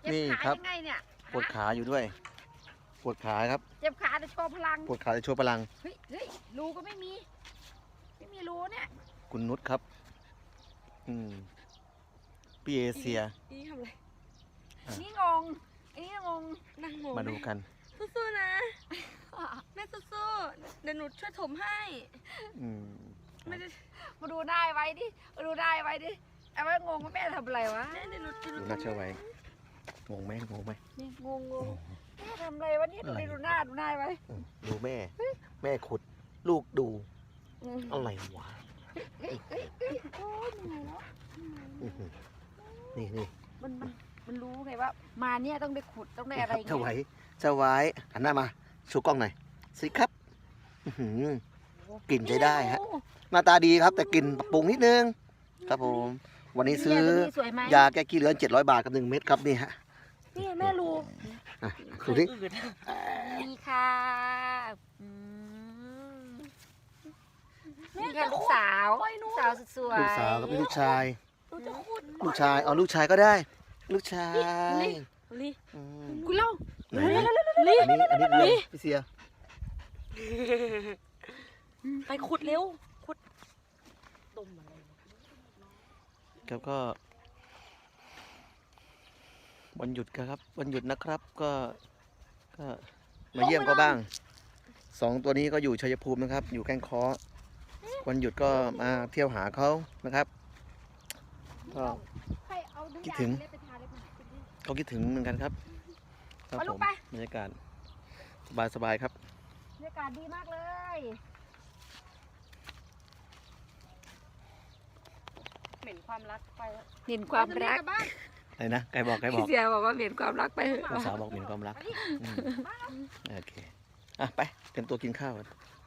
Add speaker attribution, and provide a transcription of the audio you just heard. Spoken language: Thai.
Speaker 1: นี่ครับ
Speaker 2: ยังไงเนี่ย
Speaker 1: ปวดขาอยู่ด้วยปวดขาครับ
Speaker 2: เจ็บขาจะโชว์พลัง
Speaker 1: ปวดขาจะโชว์พลัง
Speaker 2: เฮ้ยรูก็ไม่มีรูเนี่ย
Speaker 1: คุณนุชครับพี่เอเชีย
Speaker 3: นี่ทำอะไร
Speaker 2: นี่งงอันนี้งง
Speaker 3: นั่งงง
Speaker 1: มาดูกัน
Speaker 3: สู้ๆนะแม่สู้ๆเดี๋ยวหนูช่วยถมให้
Speaker 1: อืม
Speaker 3: ไม่ได้
Speaker 2: มาดูได้ไว้ดิมาดูได้ไว้ดิเอาไว้งงว่าแม่ทำอะไรวะ
Speaker 3: แม่เดี๋ยวหนู
Speaker 1: ดูน่าเชื่อไว้งงไหม
Speaker 2: นี่งงแม่ทำอะไรวะเนี่ยดูดิดูหน้าไว้
Speaker 1: ดูแม่ แม่ขุด ลูกดู อะไรวะ
Speaker 2: โอ้ยเหนื่อยแล้ว
Speaker 1: นี่
Speaker 2: มันรู้ไงว่า มาเนี่ยต้องได้ขุดต้องได้อะไร
Speaker 1: เจ้าไว้เจ้าไว้หันหน้ามาชูกล้องหน่อยสิครับกลิ่นใช้ได้ฮะหน้าตาดีครับ แต่กลิ่นปรับปรุงนิดนึงครับผม วันนี้ซื้อยาแก้ขี้เลื้อน700 บาทกับ1 เม็ดครับนี่ฮะ
Speaker 2: นี่แม่รู้
Speaker 1: ดูดิ
Speaker 2: นี่ค่ะนี่ค่ะลูกสาวสวย
Speaker 1: ลูกสาวกับลูกชาย
Speaker 3: หนูจะขุด
Speaker 1: ลูกชายเอาลูกชายก็ได้ ลูกชาย
Speaker 3: ลิ
Speaker 1: อืม
Speaker 3: กูเล่า
Speaker 1: ไหนอันนี้เรียนพี่เสีย
Speaker 3: ไปขุดเร็วขุดตุ่มอะไร
Speaker 1: ครับก็วันหยุดครับวันหยุดนะครับก็มาเยี่ยมก็บ้าง2 ตัวนี้ก็อยู่ชัยภูมินะครับ อยู่แก้งเคอวันหยุดก็มาเที่ยวหาเขานะครับก็คิดถึงเขาคิดถึงเหมือนกันครับครับผมบรรยากาศสบายครับ
Speaker 2: บรรยากาศดีมากเลย
Speaker 3: เหม็นความรักไปแล้ว
Speaker 2: เห็นความรัก
Speaker 1: อะไรนะใครบอก
Speaker 2: พี่เสียบอกว่าเห็นความรักไปเถอะ
Speaker 1: ภาษาวบอกเหม็นความรักโอเคไปเตรียมตัวกินข้าวกัน